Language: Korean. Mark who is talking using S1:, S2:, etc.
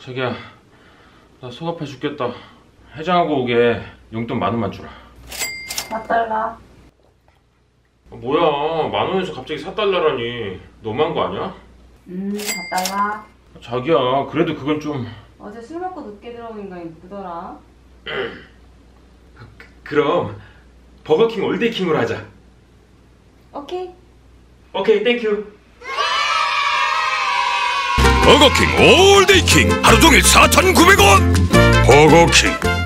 S1: 자기야, 나 속 아파 죽겠다. 해장하고 오게 용돈 10,000원만 주라.
S2: 4달러.
S1: 뭐야, 10,000원에서 갑자기 4달러라니. 너무한 거 아니야?
S2: 4달러.
S1: 자기야, 그래도 그건 좀...
S2: 어제 술 먹고 늦게 들어온 인간이 누구더라?
S1: 그럼 버거킹 올데이킹으로 하자.
S2: 오케이.
S1: 오케이, 땡큐.
S3: 버거킹 올데이킹 하루 종일 4,900원. 버거킹